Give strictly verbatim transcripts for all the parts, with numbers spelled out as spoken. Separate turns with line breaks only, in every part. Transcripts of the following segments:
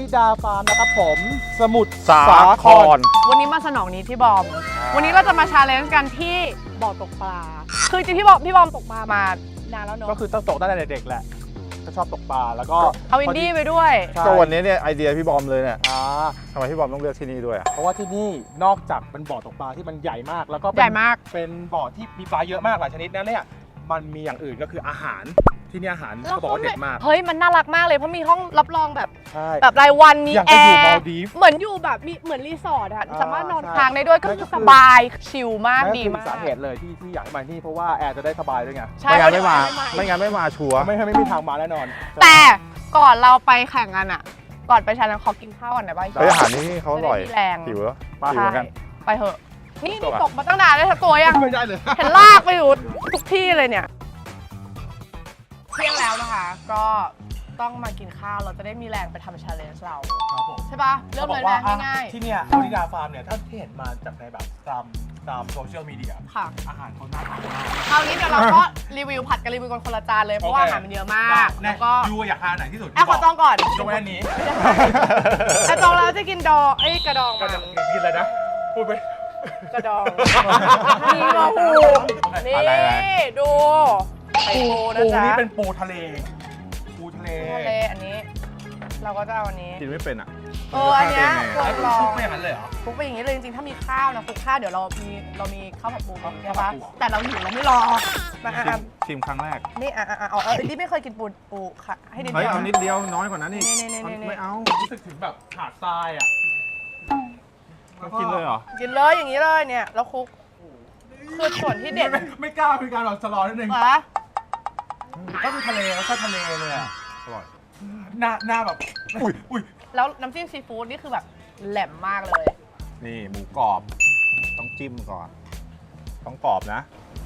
นิดาฟาร์มนะครับผมสมุทร
สาคร
วันนี้มาสนองนี้ที่บอมวันนี้เราจะมาชาเลนจ์กันที่บ่อตกปลาคือจริงพี่บอมพี่บอมตกปลามานานแล้วเนอะ
ก็คือต้องตกตั้งแต่เด็กแหละก็ชอบตกปลาแล้วก็
เอาอินดี้ไปด้วย
ก็วันนี้เนี่ยไอเดียพี่บอมเลยเนี่ย
อ่า
ทำไมพี่บอมต้องเลือกที่นี่ด้วยอ่ะ
เพราะว่าที่นี่นอกจากเป็นบ่อตกปลาที่มันใหญ่มากแล้วก็เป็น
ใหญ่มาก
เป็นบ่อที่มีปลาเยอะมากหลายชนิดนะเนี่ยมันมีอย่างอื่นก็คืออาหารที่นี่อาหารเขาบอกว่าเด็ดมาก
เฮ้ยมันน่ารักมากเลยเพราะมีห้องรับรองแบบ
ใช่
แบบรายวันมี
อย่าง
แอ
ก็อยู่มาล
ร์
ดีฟ
เหมือนอยู่แบบมีเหมือนรีสอร์ทอะ
อ่า
สามารถนอน
ใช่
ค้างได้ด้วยก็
นั่น
คื
ก็
อ
คือ
สบายชิลมาก
นั่น
ดี
คือ
มาก
สาเหตุเลยที่ที่อยากให้มาที่นี่เพราะว่าแอร์จะได้สบายด้วยไง
ใช่
ไม่งั้นไม่มา
ไม่
ไม่งั้นไม่มาชัวร์
ไม่ให้ไม่มีทางมาแน่นอน
แต่ก่อนเราไปแข่งกันอะก่อนไปชาเลนจ์ขอกินข้าวก่อนได้ป่ะ
เฮ้ยอาหารที่นี่เขาอร่อย
จะได้มีแรง
หิวแล้ว
ปลา
หิวเหมือนกัน
ไปเถอะนี่
ตัว
นี่
อะ
ตกมาตั้งนานแล้วทั้งตัวยัง
ไม่ได้เลย
เห็นลากไปอยู่ทุกที่เลยเนี่ยเที่ยงแล้วนะคะ ก็ต้องมากินข้าวเราจะได้มีแรงไปทำชาเลนจ์เรา
ครับผม
ใช่ปะเริ่มเลย
ขาบ
นะ
อกว่า
ง่าย
ที่เนี่ยวนิดาฟาร์มเนี่ยถ้าที่เห็นมาจากในแบบตามตามโซเชียลมีเดีย
ๆค่ะ
อาหารเขาน่าทานมาก
คราวนี้เดี๋ยวเราก็รีวิวผัดกันรีวิวกันคนละจานเลยเพราะว่าอาหารมันเยอะมาก
แล้
แล้ว ว
ก็
ก็
ยูอยากทานไหนที่สุด
แอบขอจองก่อน
ยกเว้นอันนี้
แต่จองแล้วจะกินดองไอ้ยกระดอง
ก็
มัน
จะกินอะไรนะ พูดไป
กระดองนี่งอหูนี่
อะไรนะ
ดูไข่ปูนะ
ปู
จ๊ะ
นี่เป็นปูทะเล ปูทะเล
ทะเลอันนี้ เราก็จะเอาอันนี้
กินไม่เป็นอ่ะ
เอออันเนี้ย
มั
คว
จะ
ร
ฆ่า
ลอง
ไม่อย่างนั้นเลยเหรอ
คลุกไปอย่างนี้เลยจริงๆ ถ้ามีข้าวนะคลุกข้าวเดี๋ยวเรามีเรามีข้าวผัดปู
ครับ
ใช่ปะ
ข้าวผัดปู
แต่เราหิวเราไม่รอมา
ได้
อ่ะ
ไงชิมครั้งแรก
นี่อ่ะอ่ะอ่ะเอาเออดิไม่เคยกินปูปูค่ะให้ดิ
เฮ้ย
ดียว
เอานิดเดียวน้อยกว่านั้นอีก
นี่ๆๆๆ
ไม่เอา
รู้สึกถึงแบบหาดทรายอ่ะ
ต้องกินเลยเหรอ
กินเลยอย่างนี้เลยเนี่ยแล้วคลุกคือส่วนที่เด็ด
ไม่ไม่กล้าเป็นการแบบสลอนิดนึง
เหรอ
ก็คือทะเลก็ใช่ทะเลเลยอ่ะ
อร่อย
หน้าหน้าแบบ อุ้ยอุ้ย
แล้วน้ำจิ้มซีฟู้ดนี่คือแบบแหลมมากเลย
นี่หมูกรอบ ต้องจิ้มก่อน ต้องกรอบนะ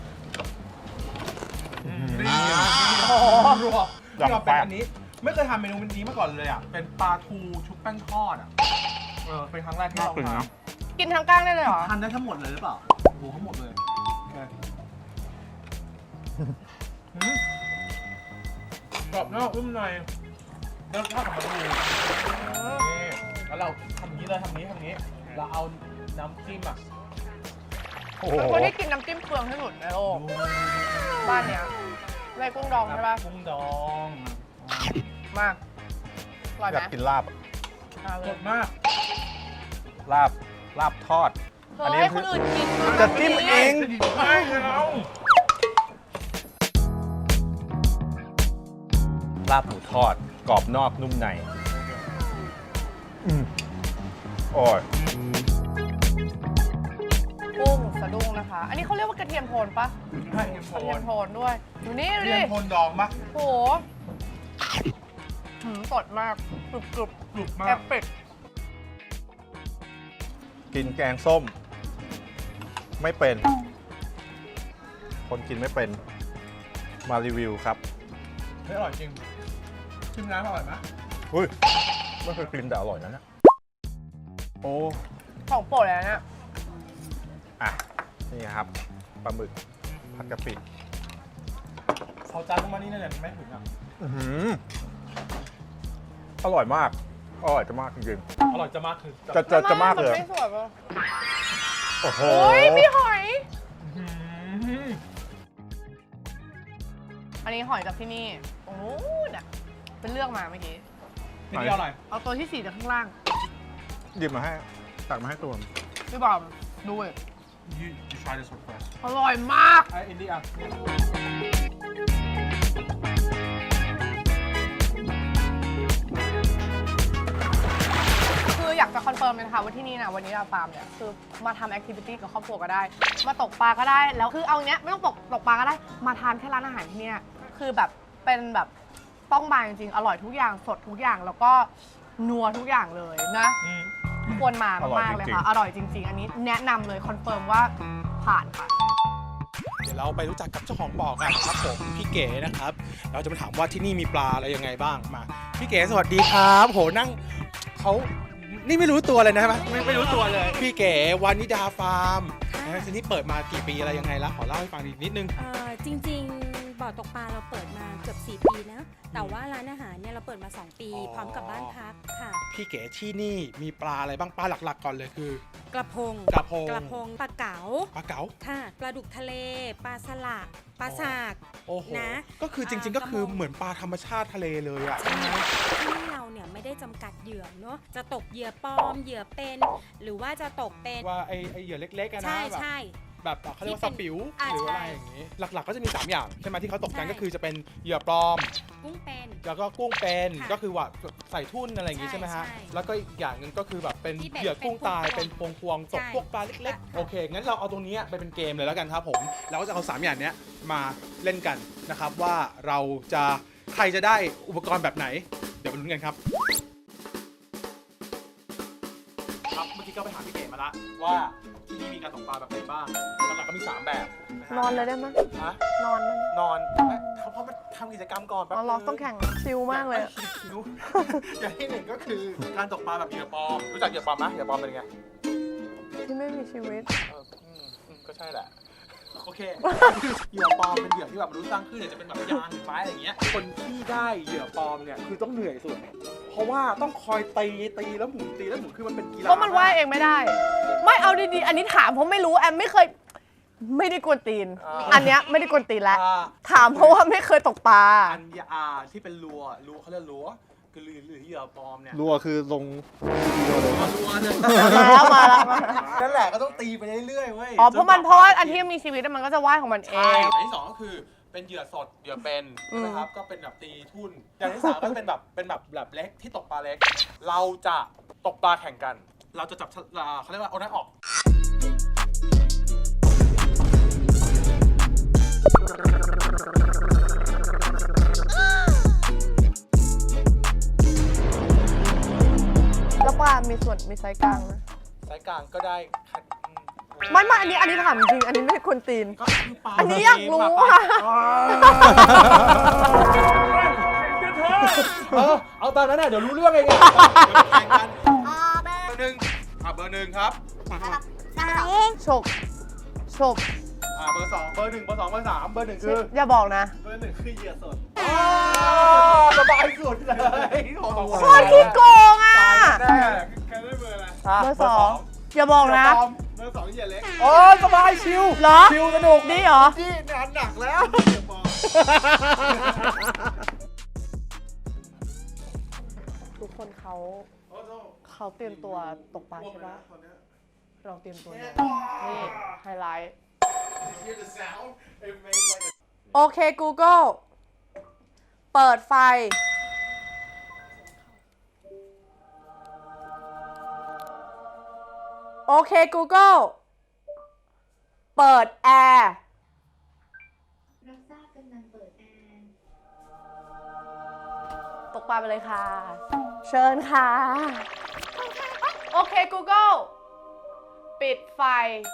นี่โอ้โหรัวที่เราเป็นอันนี้ ไม่เคยทำเมนูนี้มาก่อนเลยอ่ะ เป็นปลาทูชุบแป้งทอดอ่ะ เออ เป็นครั้งแรกที่เรา
น่ากิน
ทาน
นะ
กินทั้งก้างได้เลยเหรอ
ทานได้ทั้งหมดเลยหรือเปล่าโอ้โหทั้งหมดเลยอืมกรอบนอกนุ่มในเริ่มทอดกับปลาทูนี่แล้วเราทำอย่างนี้เลยทำอย่างนี้ทำอย่างนี้ เราเอาน้ำจิ้มอ่ะ
โอ้โห
เป็นคนที่กินน้ำจิ้มเปลืองที่สุดในโลกบ้านเนี้ยไรกุ้งดองใช่ปะ
กุ้งดอง
มากอร่อยไห
อ
ม
ยากกินลาบอะ
เอาเล
ส
ย
ดมาก
ลาบ ลาบทอด
เธอให้คนอื่นกิน
จะจิ้มเอง
ไม่เรา
ลาบหมูทอด กรอบนอกนุ่มในอืมโอ้ย
กุ้งสะดุ้งนะคะ อันนี้เขาเรียกว่ากระเทียมโทนปะ
ให้เอ็มโฟ
กระเทีย
น
มโทนด้วยดูนี่ดู
เรีย
ดิ
นโทนดองปะ
โหหืมสดมากกรุบกรุบ
กรุบมา
แอก บเป็ด
กินแกงส้ม ไม่เป็น คนกินไม่เป็น มารีวิวครับ
เฮ้ยอร่อยจริง ชิมน้ำอร่อยไหม
อุ้ยไม่เคยกินแต่อร่อยนะเนี่ยโอ้
ของโปรดเลยนะเนี่ย
อ่ะ นี่ครับ ปลาหมึก ผัดกะปิ
เขาจานลงมานี่เนี่ยไม่ถึงอ่ะ
อื้อหืออร่อยมาก อร่อยจะมากจริง
อร่อยจะมากคือ
ๆจะจะจะมากเลย
นไม่สวยปะ
โอ้โห
โอ้ยมีหอย
อื้อหือ
อันนี้หอยจากที่นี่ตรงนู้นอ่ะเป็นเลือกมาเมื่อกี้
นี่เดียวอร่อย
เอาตัวที่สี่จากข้างล่าง
หยิบมาให้ ตักมาให้ตัว
พี่บอมดูเลย
you you try this one first
อร่อยมาก
ไอ้อินดี้อ่ะ
คืออยากจะคอนเฟิร์มเลยนะคะว่าที่นี่นะวันนี้เราฟาร์มเนี่ยคือมาทำแอคทิวิตี้กับครอบครัวก็ได้ มาตกปลาก็ได้ แล้วคือเอาเนี้ยไม่ต้องตกตกปลาก็ได้ มาทานแค่ร้านอาหารที่เนี่ยคือแบบเป็นแบบต้องมาจริงๆ อร่อยทุกอย่างสดทุกอย่างแล้วก็นัวทุกอย่างเลยนะ
อืม
ควรมา
อร่อย
มากๆเลย
จริงๆ
ค่ะ อร่อยจริง ๆ อันนี้แนะนำเลยคอนเฟิร์มว่าผ่านค่ะ
เดี๋ยวเราไปรู้จักกับเจ้าของบ่อกันครับผมพี่เก๋นะครับ เราจะมาถามว่าที่นี่มีปลาอะไรยังไงบ้างมาพี่เก๋สวัสดีครับโหนั่งเขานี่ไม่รู้ตัวเลยนะใช่ไหมไม่ไม่รู้ตัวเลย พี่เก๋วานิดาฟาร์มนะทีนี้เปิดมากี่ปีอะไรยังไงแล้วขอเล่าให้ฟังอีกนิดนึง
เอ่อจริงๆบ่อตกปลาเราเปิดมาเกือบสี่ปีนะแต่ว่าร้านอาหารเนี่ยเราเปิดมาสองปี
อ๋อ
พร้อมกับบ้านพักค่ะ
พี่เก๋ที่นี่มีปลาอะไรบ้างปลาหลักๆก่อนเลยคือก
ระพง
กระพง
กระพงปลาเก๋า
ปลาเก๋า
ค่ะปลาดุกทะเลปลาสลัดปลาสาก
โอ้โห
นะ
ก็คือจริงๆ ก็คือเหมือนปลาธรรมชาติทะเลเลยอ่ะ
ใช่ที่นี่เราเนี่ยไม่ได้จำกัดเหยื่อเนาะจะตกเหยื่อปลอมเหยื่อเป็น หรือว่าจะตกเป็น
ว่าไอไอเหยื่อเล็กๆอะนะ
ใช่
แบบ
ใช่
แบบเขาเรียกว่าสปิว
อ่า
หรืออะไร
ใช่
อย่างนี้ หลักๆ ก็จะมีสามอย่างใช่ไหมที่เขาตกกัน
ใช่
ก็คือจะเป็นเหยื่อปลอม
กุ้งเป็น
แล้วก็กุ้งเป็น
ค่ะ
ก็คือว่าใส่ทุ่นอะไรอย่างงี้
ใช่
ใช่ไหมฮะ
ใช่
แล้วก็อีกอย่างหนึ่งก็คือแบบเป็น
ที่แบบ
เหยื่อกุ้งตาย
เป็
เป็น
น
พ
พ
ว
ว
ง
ง
พวงๆตก
ใช่
พวกปลาเล็ก
ค่ะ
ๆ โอเค งั้นเราเอาตรงนี้ไปเป็นเกมเลยแล้วกันครับผมเราก็จะเอาสามอย่างเนี้ยมาเล่นกันนะครับว่าเราจะใครจะได้อุปกรณ์แบบไหน เดี๋ยวไปลุ้นกันครับ ครับเมื่อกี้ก็ไปถามพี่เก๋มาละว่าที่นี่มีการตกปลาแบบไหนบ้างหลักๆก็มีสามแบบะฮะ
นอนเลยได้ไหม
ฮะ
นอนได้ไหม
นอนเพราะมันทำกิจกรรมก่อนแป๊บ
อ๋อเรา
นึ
ต้องแข่งชิลมากเลยอะ
คิว อย่างที่หนึ่งก็คือการตกปลาแบบเหยื่อปลอม รู้จักเหยื่อปลอมไหมเหยื่อปลอมเป็นยังไง
ที่ไม่มีชีวิต
เอออืมอืมก็ใช่แหละ โอเค เหยื่อปลอมเป็นเหยื่อที่แบบมนุษย์สร้างขึ้นเนี่ยจะเป็นแบบยางหรือไม้อะไรอย่างเงี้ย คนที่ได้เหยื่อปลอมเนี่ยคือต้องเหนื่อยสุด เพราะว่าต้องคอยตีตีแล้วหมุนตีแล้วหมุนคือมันเป็นกีฬา
เพราะมันว่ายเองไม่ได้ ไม่เอาดีๆ อันนี้ถามเพราะไม่รู้แอมไม่เคย ไม่ได้กวนตีน อันเนี้ยไม่ได้กวนตีนแล้ว
อ่า
ถามเพราะว่าไม่เคยตกปลา
อันยาที่เป็นรัวรัวเขาเรียกรัวคือหรือหรือเหยื่อปลอมเนี่ย
รัวคือลงวิดีโอเลย
รัวเนี่ย
มาแล้วมาแล้วมาแล้ว
นั่นแหละก็ต้องตีไปเรื่อยๆเว้ย
อ๋อเพราะมันเพราะว่าอันที่มีชีวิตมันก็จะว่ายของมันเอ
ใช่
ง
อย่างที่สองก็คือเป็นเหยื่อสดเหยื่อเป็น
อืม
นะครับก็เป็นแบบตีทุ่นอย่างที่สามก็เป็นแบบเป็นแบบแบบเล็กที่ตกปลาเล็ก เราจะตกปลาแข่งกัน เราจะจับฉลากเขาเรียกว่าเอาหน้าออก
แล้วปลา มีส่วนมีไซส์กลางนะ
สายกลางก็ได้คัด
ไม่ไม่อันนี้อันนี้ถามจริง อันนี้ไม่ได้กวนตีน
ก็คือปลา
อันนี้อยากรู้
ปลา
อะ
เออเอาตามนั้นน่ะเดี๋ยวรู้เรื่องเองไงเดี๋ยวไปแข่งกันเบอร์หนึ่งอ่ะเบอร์หนึ่งครับ
ฉกฉก
อ่าเบอร์สองเบอร์หนึ่งเบอร์สองเบอร์สามเบอร์หนึ่งคือ
อย่าบอกนะ
เบอร์หนึ่งคือเหยื่อสดสบายสุดเลยของสอง
โคตรขี้โกงอ่ะ
แน่ใครได้เบอร์อะไร
เบอร์สองอย่าบอกนะ
เบอร์สองเหยื่อเล็กโอ้สบายชิว
เหรอ
ชิวสนุก
นี่เหรอ
นี่งานหนักแล้วเหยื่อปลอม
ทุกคนเขาเขาเตรียมตัวตกปลาใช่ปะเราเตรียมตัวเนี่ยนี่ไฮไลท์ โอเค Google เปิดไฟ โอเค Google เปิดแอร์
รับทราบกำลังเปิดแอร์
ตกปลาไปเลยค่ะ เชิญค่ะ โอเค Google ปิดไฟ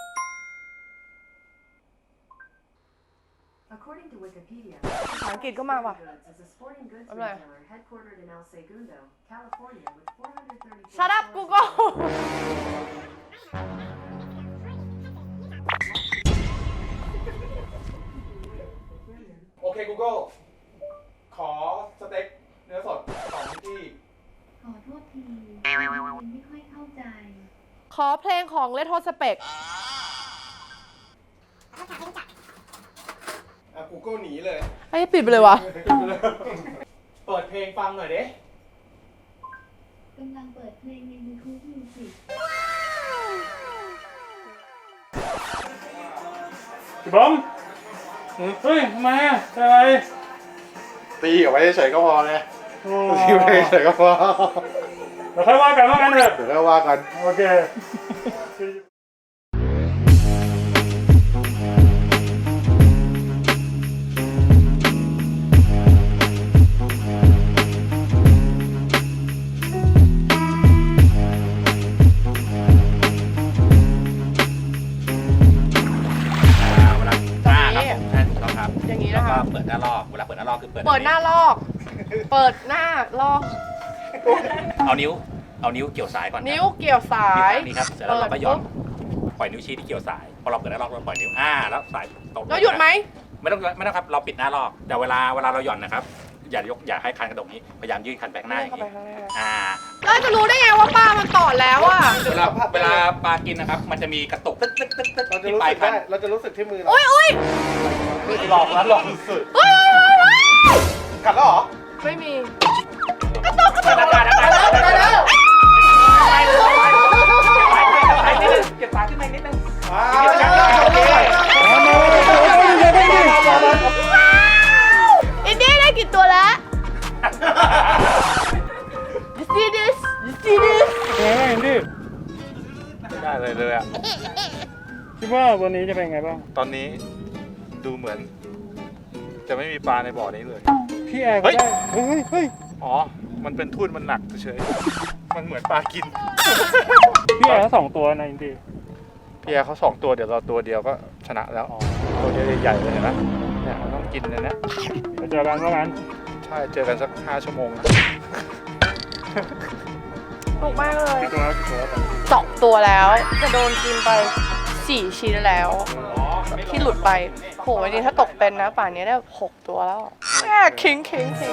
According to Wikipedia,
ภาษาอังกฤษก็มาว่ะ
Goods is a sporting goods
Okay.
retailer headquartered in El Segundo, California, with four hundred thirty-four
Shut up
stores
Google
โอเค Google ขอสเต็กเนื้อสดสองที่
ขอโทษทียังไม่ค่อยเข้าใจ
ขอเพลงของเลโทสเปก
อ่ะ Google หนีเลย
ไอ้ยปิดไปเลยวะ
เปิดเพลงฟังหน่อยดิ
กำลังเปิดเพลงใน YouTube Music
พี่บอมเฮ้ยทำไมอ่ะอะไร
ตีเอาไว้เฉยๆก็พอเลย
โอ้
ตีไว้เฉยๆก็พอ
เดี๋ยวค่อยว่ากันว่ากันเถอะ
เดี๋ยวก็ว่ากัน
โอเค
เวลาอ่าครับผมใช่ถูกต้องครับ
อย่างนี้
แล้ว
นะคะ
ก็เปิดหน้าลอกเวลาเปิดหน้าลอกคือเปิด
เปิดหน้าลอก เปิดหน้าลอก
เอานิ้วเอานิ้วเกี่ยวสายก่อนครับ
นิ้วเกี่ยวสาย
นี่ครับเสร็จแล้วเราก็หย่อนปล่อยนิ้วชี้ที่เกี่ยวสายพอเราเปิดหน้าลอกเราปล่อยนิ้วอ่าแล้วสายตก
แล้วหยุดไหม
ไม่ต้องไม่ต้องครับเราปิดหน้าลอกแต่เวลาเวลาเราหย่อนนะครับอย่ายกอย่าให้คันกระดกนี้พยายามยื่นคันไปข้างหน้าอย่างนี้อ่า
เราจะรู้ได้ไงว่าปลามันตอดแล้วอ่ะ
เวลาเวลาปลากินนะครับมันจะมีกระตุกตึ๊กตึ๊กตึ๊กตึ๊ก
เราจะ
ที่
รู้
ปลาย
สึก
คั
ได้
น
เราจะรู้สึกที่มือเรา
อุ้ยอุ้ย
หลอกนะหลอกสุด
อุ้ยอุ้ยอุ้ย
ๆกัดแล้วเหรอ
ไม่มี
อากาศอากาศอากาศ
ได้แล้ว
เก็บปลาขึ้นมานิดนึง
อ่า
อินดี้ได้กี่ตัวแล้ว You see this You see this
ไม่ได้เลยเลยอ่ะ
คิดว่าวันนี้จะเป็นไงบ้าง
ตอนนี้ดูเหมือน จะไม่มีปลาในบ่อนี้เลย
พี่แอร์ก็ได้ เฮ้ยเฮ้ย
อ๋อ มันเป็นทุ่นมันหนักเฉยๆมันเหมือนปลากิน
พี่แอร์ก็สองตัวนะอินดี้
พี่แอร์เขาสองตัวเดี๋ยวเราตัวเดียวก็ชนะแล้ว ตัวเดียวใหญ่ๆเลยเห็นไหมเนี่ยมันต้องกินเลยนะ
ไปเจอกันว่างั้น
ใช่ เจอกันสักห้าชั่วโมงนะ
ถูกมากเลย
กี่ตัวแล้วกี่ตัวแล้ว
สองตัวแล้ว จะโดนกินไปสี่ชิ้นแล้ว ที่หลุดไปโหวันนี้ถ้าตกเป็นนะป่านนี้ได้หกตัวแล้วแม่คิงคิงคิง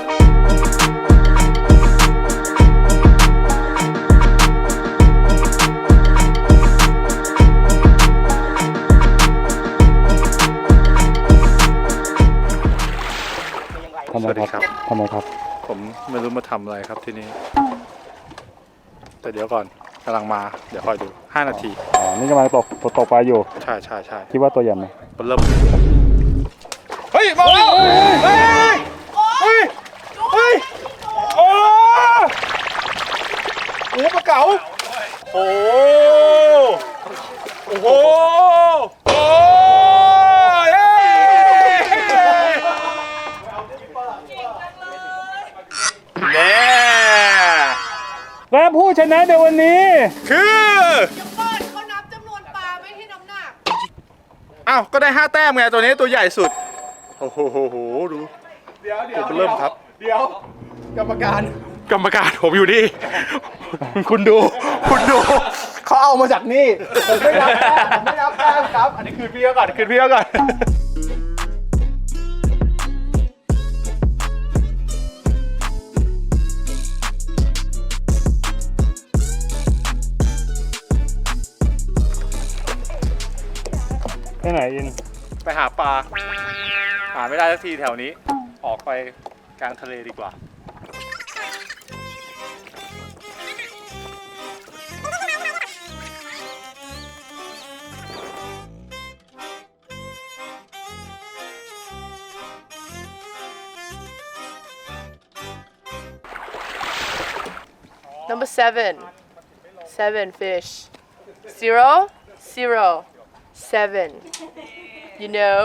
ทำไมครับทำไมครับ
ผมไม่รู้มาทำอะไรครับที่นี่ แต่เดี๋ยวก่อนกำลังมา เดี๋ยวคอยดูห้านาที
อ๋อ นี่กำลังตกตกตกปลาอยู่
ใช่ใช่ใช่
คิดว่าตัวใหญ่ไหม
เริ่มเฮ้ยมาแล้วเฮ้ยเฮ้ยเฮ้ยโอ้โหปลาเก๋าโอ้โอ้โหโอ้เย้แน่
และผู้ชนะในวันนี้
คือ
เดี๋ยวก่อนเขานับจำนวนปลาไม่ที่น้ำหนัก
อ้าว ก็ได้ห้าแต้มไงตัวนี้ตัวใหญ่สุด โอ้โหโหโหดู เดี๋ยวเดี๋ยวเริ่มครับ เดี๋ยว กรรมการ กรรมการผมอยู่นี่ คุณดู คุณดู เขาเอามาจากนี่ผมไม่รับแต้มผมไม่รับแต้มครับ อันนี้คืนพี่เขาก่อนคืนพี่เขาก่อน
ไปไหนอิน
ไปหาปลา หาไม่ได้สักทีแถวนี้ ออกไปกลางทะเลดีกว่า
Number seven seven fish zero zero seven you know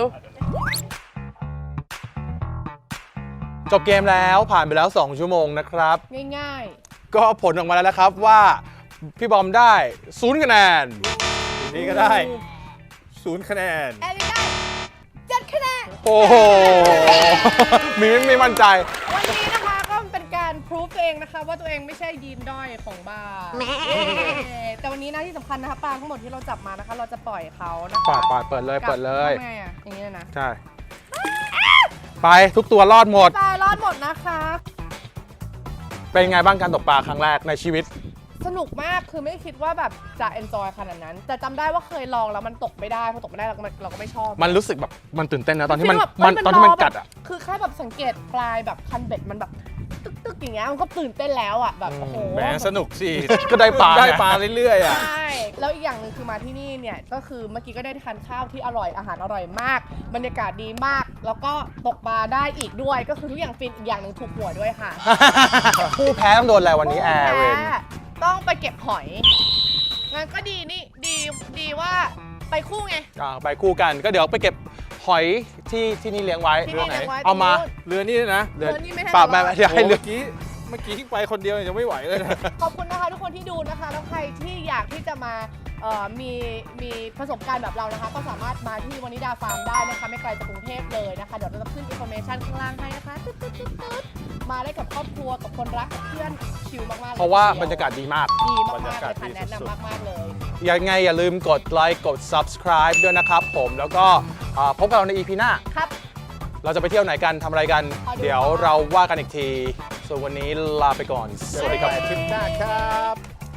จบเกมแล้วผ่านไปแล้ว สอง ชั่วโมงนะครับ
ง่าย
ก็ผลออกมาแล้วนะครับว่าพี่บอมได้ศูนย์คะแนน
นี่ก็ได้ศูนย์คะแนน
ๆแอลิได้เจ็ดคะแนน
โอ้โห มีไม่ไม่มั่นใจ
วันนี้นะคะก็เป็นการพรูฟตัวเองนะคะว่าตัวเองไม่ใช่ยีนด้อยของบาร์เย้แต่วันนี้นะที่สำคัญนะคะปลาทั้งหมดที่เราจับมานะคะ เราจะปล่อยเขานะคะ
ปาดปาดเปิดเลยเปิดเลย
ทำไงอะอย่างนี้เลยนะ
ใช่ ไปทุกตัวรอดหมด
ปลารอดหมดนะคะ
เป็นไงบ้างการตกปลาครั้งแรกในชีวิต
สนุกมากคือไม่คิดว่าแบบจะเอนจอยขนาดนั้น แต่จำได้ว่าเคยลองแล้วมันตกไม่ได้พอตกไม่ได้เราก็ไม่เราก็ไม่ชอบ
มันรู้สึกแบบมันตื่นเต้นนะตอนที่มัน
ฟีลแบบ
มัน
เอ้ย
ตอนที่มัน
รแบบ
กัดอ่ะ
คือแค่แบบสังเกตปลายแบบคันเบ็ดมันแบบตึกตึกอย่างเงี้ยมันก็ตื่นเต้นแล้วอ่ะแบบโอ้โห
แหมสนุกสิ
ก็ได้ปลา
ได้
ไง
ปลาเรื่อยๆอ่ะ
ใช่แล้วอีกอย่างหนึ่งคือมาที่นี่เนี่ยก็คือเมื่อกี้ก็ได้ทานข้าวที่อร่อยอาหารอร่อยมาก บรรยากาศดีมาก แล้วก็ตกปลาได้อีกด้วยก็คือทุกอย่างฟินอีกอย่างหนึ่งถูกหัวด้วยค่ะ
ผู้แพ้ต้องโดนอะไรวันนี้แอร์เวน
แพ้ต้องไปเก็บหอยงั้นก็ดีนี่ดีดีว่าไปคู่ไง
อ่าไปคู่กันก็เดี๋ยวไปเก็บหอยที่ที่นี่เลี้ยงไว้
ที่นี่เลี้ยงไว้
เอามา
ตรงนู้น
เรือนี่นะ
เรือนี่ไม่ให้
ปรับ
เรา
มา
ว่า
เดี๋ยวให้เรือ
เมื่อกี้เมื่อกี้ไปคนเดียวยังไม่ไหวเลยนะ
ขอบคุณนะคะทุกคนที่ดูนะคะ แล้วใครที่อยากที่จะมาเอ่อมีมีประสบการณ์แบบเรานะคะ ก็สามารถมาที่วานิดาฟาร์มได้นะคะ ไม่ไกลจากกรุงเทพเลยนะคะ เดี๋ยวเราจะขึ้นอินโฟเมชันข้างล่างให้นะคะตึ๊ดตึ๊ดตึ๊ดตึ๊ดมาได้กับครอบครัวกับคนรักกับเพื่อนชิลมากๆลย
เพราะว่าบรรยากาศดีมาก
ดีมาก
บรร
ๆ
ยากาศ
เลยค่ะ
ดี
แนะ
สุด
นำมากๆเลย
ยังไงอย่าลืมกดไลค์กด subscribe ด้วยนะครับผมแล้วก็อ่าพบกับเราใน อี พี หน้า
ครับ
เราจะไปเที่ยวไหนกันทำอะไรกัน เดี๋ยวเราว่ากันอีกที ส่วนวันนี้ลาไปก่อน สวัสดีครับทริปหน้าครับ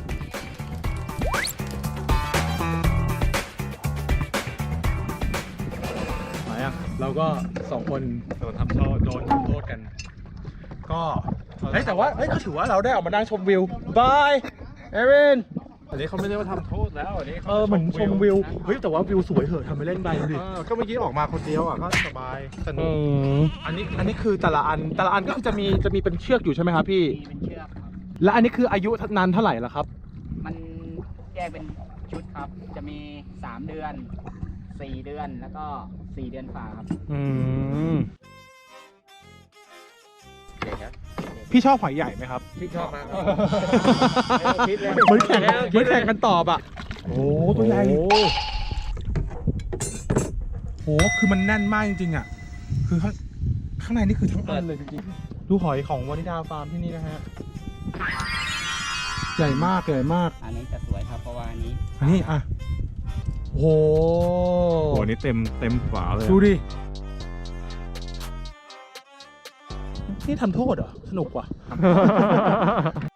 มาอ่ะเราก็สองคนโดนทำโทษโดนทำโทษกัน ก็เฮ้ยแต่ว่าเฮ้ยก็ถือว่าเราได้ออกมานั่งชมวิวบายเอริน
อันนี้เขาไม่ได้ว่าทำโทษแล้วอันนี้
เออเหมือนชมวิวเฮ้ยแต่ว่าวิวสวยเหอะทำไปเล่นไปดูดิ
เออก็เมื่อกี้ออกมาคนเดียวอ่ะก็สบายสนุ
อื
ก
มอันนี้อันนี้คือแต่ละอันแต่ละอันก็คือจะมีจะมีเป็นเชือกอยู่ใช่ไหมครับพี่
มีเป็นเชือกครับ
และอันนี้คืออายุนานเท่าไหร่ละครับ
มันแยกเป็นชุดครับ จะมี สาม เดือน สี่ เดือน แล้วก็ สี่ เดือนฝ่าครับ
อืมพี่ชอบหอยใหญ่ไหมครับ
พี่ชอบมาก
คิดเลยเหมือนแข่งเหมือนแข่งกันตอบอ่ะโอ้ตัวใหญ่โหคือมันแน่นมากจริงๆอ่ะคือข้างข้างในนี่คือทั้งอันเลยจริงๆดูหอยของวานิดาฟาร์มที่นี่นะฮะใหญ่มากใหญ่มาก
อันนี้จะสวยครับ เพราะว่าอันนี้
อันนี้อ่ะโอ้โห
โหนี่เต็มเต็มฝาเลย
ดูดิ นี่ทำโทษเหรอ สนุกว่ะ